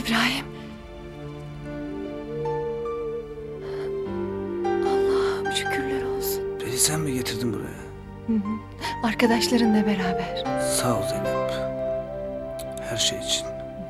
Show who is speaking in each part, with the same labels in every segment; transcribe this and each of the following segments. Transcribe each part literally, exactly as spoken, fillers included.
Speaker 1: İbrahim. Allah'ım şükürler olsun.
Speaker 2: Beni sen mi getirdin buraya?
Speaker 1: Hı hı. Arkadaşlarınla beraber.
Speaker 2: Sağ ol Zeynep. Her şey için.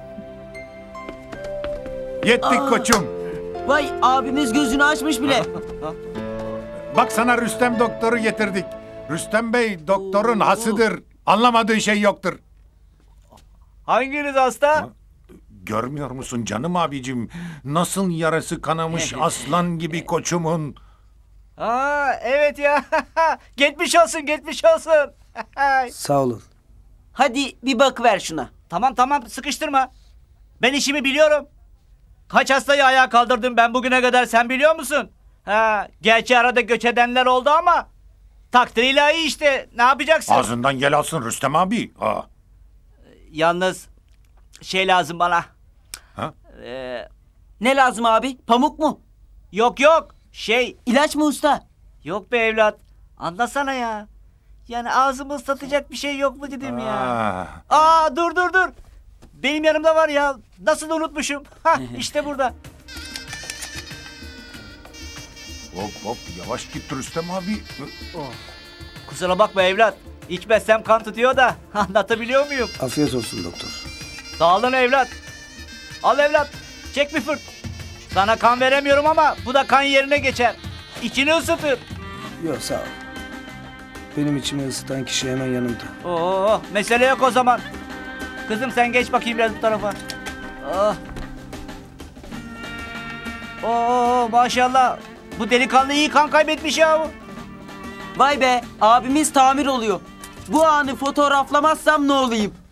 Speaker 3: Yettik koçum.
Speaker 4: Vay abimiz gözünü açmış bile.
Speaker 3: Bak sana Rüstem doktoru getirdik. Rüstem Bey doktorun hasıdır. Anlamadığın şey yoktur.
Speaker 5: Hanginiz hasta?
Speaker 3: Görmüyor musun canım abicim? Nasıl yarası kanamış aslan gibi koçumun.
Speaker 5: Aa evet ya. Geçmiş olsun, geçmiş olsun.
Speaker 2: Sağ olun.
Speaker 4: Hadi bir bakıver şuna.
Speaker 5: Tamam tamam sıkıştırma. Ben işimi biliyorum. Kaç hastayı ayağa kaldırdım ben bugüne kadar sen biliyor musun? Ha, gerçi arada göç edenler oldu ama takdir ilahi işte. Ne yapacaksın?
Speaker 3: Ağzından yel alsın Rüstem abi. Aa.
Speaker 5: Yalnız şey lazım bana.
Speaker 3: Ha?
Speaker 5: Ee,
Speaker 4: Ne lazım abi? Pamuk mu?
Speaker 5: yok yok. Şey
Speaker 4: İlaç mı usta?
Speaker 5: yok be evlat. Anlasana ya. Yani ağzımı ıslatacak bir şey yok mu dedim ya.
Speaker 3: Aa.
Speaker 5: Aa dur dur dur. Benim yanımda var ya. Nasıl unutmuşum. Hah işte burada.
Speaker 3: Hop hop yavaş git Rüstem abi.
Speaker 5: Kusura bakma evlat. İçmezsem kan tutuyor da. Anlatabiliyor muyum?
Speaker 2: Afiyet olsun doktor.
Speaker 5: Sağ olun evlat. Al evlat. Çek bir fırt. Sana kan veremiyorum ama bu da kan yerine geçer. İçini ısıtır.
Speaker 2: Yok sağ ol. Benim içimi ısıtan kişi hemen yanımda.
Speaker 5: Oo, mesele yok o zaman. Kızım sen geç bakayım biraz bu tarafa. Oh. Oo maşallah. Bu delikanlı iyi kan kaybetmiş ya.
Speaker 4: Vay be abimiz tamir oluyor. Bu anı fotoğraflamazsam ne olayım?